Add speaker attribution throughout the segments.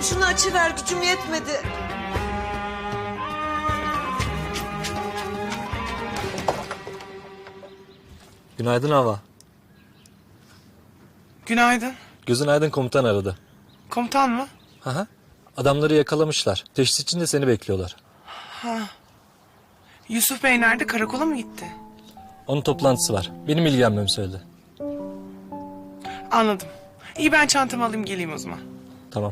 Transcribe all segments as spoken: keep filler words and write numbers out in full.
Speaker 1: şunu açıver, gücüm yetmedi.
Speaker 2: Günaydın Hava.
Speaker 3: Günaydın.
Speaker 2: Gözün Aydın komutan aradı.
Speaker 3: Komutan mı?
Speaker 2: Hı hı. Adamları yakalamışlar. Teşhis için de seni bekliyorlar.
Speaker 3: Yusuf Bey nerede? Karakola mı gitti?
Speaker 2: Onun toplantısı var. Benim ilgilenmemi söyledi.
Speaker 3: Anladım. İyi, ben çantamı alayım geleyim o zaman.
Speaker 2: Tamam.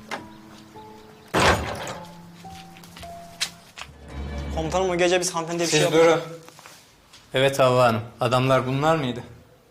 Speaker 4: Komutanım o gece biz hanımefendiye bir şey
Speaker 5: Siz
Speaker 4: yaptık.
Speaker 5: durun. Evet Havva Hanım. Adamlar bunlar mıydı?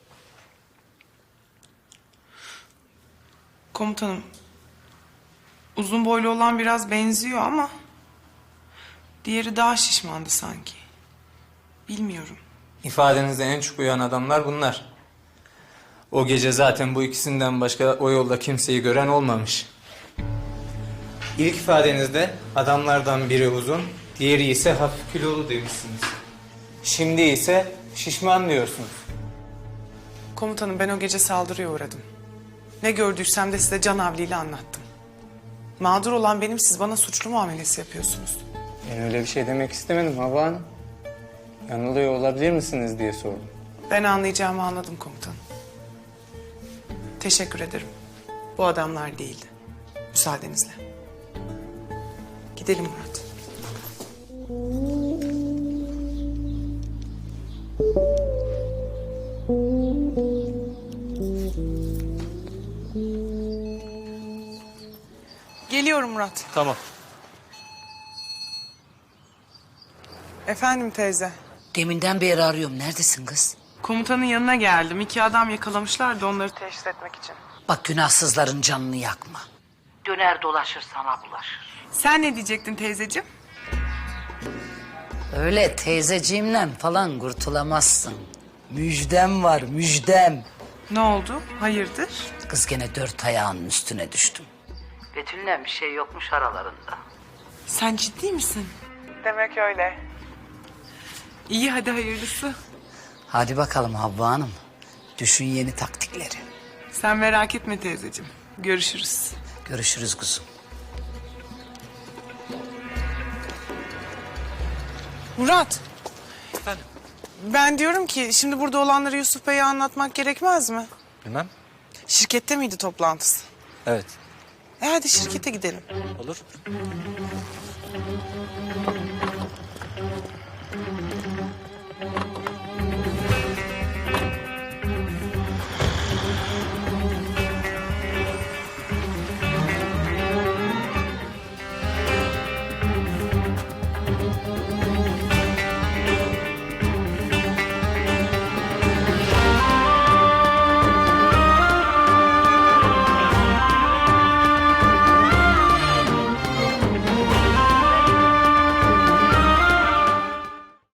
Speaker 3: Komutanım. Uzun boylu olan biraz benziyor ama... diğeri daha şişmandı sanki. Bilmiyorum.
Speaker 5: İfadenizde en çok uyan adamlar bunlar. O gece zaten bu ikisinden başka o yolda kimseyi gören olmamış. İlk ifadenizde adamlardan biri uzun, diğeri ise hafif kilolu demişsiniz. Şimdi ise şişman diyorsunuz.
Speaker 3: Komutanım, ben o gece saldırıya uğradım. Ne gördüysem de size canavliyle anlattım. Mağdur olan benim, siz bana suçlu muamelesi yapıyorsunuz.
Speaker 5: Ben öyle bir şey demek istemedim Havva Hanım. Yanılıyor olabilir misiniz diye sordum.
Speaker 3: Ben anlayacağımı anladım komutanım. Teşekkür ederim. Bu adamlar değildi. Müsaadenizle. Gidelim Murat. Geliyorum Murat.
Speaker 2: Tamam.
Speaker 3: Efendim teyze.
Speaker 6: Deminden beri arıyorum. Neredesin kız?
Speaker 3: Komutanın yanına geldim. İki adam yakalamışlar da onları teşhis etmek için.
Speaker 6: Bak, günahsızların canını yakma. Döner dolaşır sana bulaşır.
Speaker 3: Sen ne diyecektin teyzeciğim?
Speaker 6: Öyle teyzeciğimle falan kurtulamazsın. Müjdem var, müjdem.
Speaker 3: Ne oldu? Hayırdır?
Speaker 6: Kız gene dört ayağının üstüne düştüm. Betül'le bir şey yokmuş aralarında.
Speaker 3: Sen ciddi misin? Demek öyle. İyi, hadi hayırlısı.
Speaker 6: Hadi bakalım Havva Hanım. Düşün yeni taktikleri.
Speaker 3: Sen merak etme teyzeciğim. Görüşürüz.
Speaker 6: Görüşürüz kuzum.
Speaker 3: Murat. Efendim? Ben diyorum ki şimdi burada olanları Yusuf Bey'e anlatmak gerekmez mi?
Speaker 2: Bilmem.
Speaker 3: Şirkette miydi toplantısı?
Speaker 2: Evet.
Speaker 3: E hadi şirkete gidelim.
Speaker 2: Olur.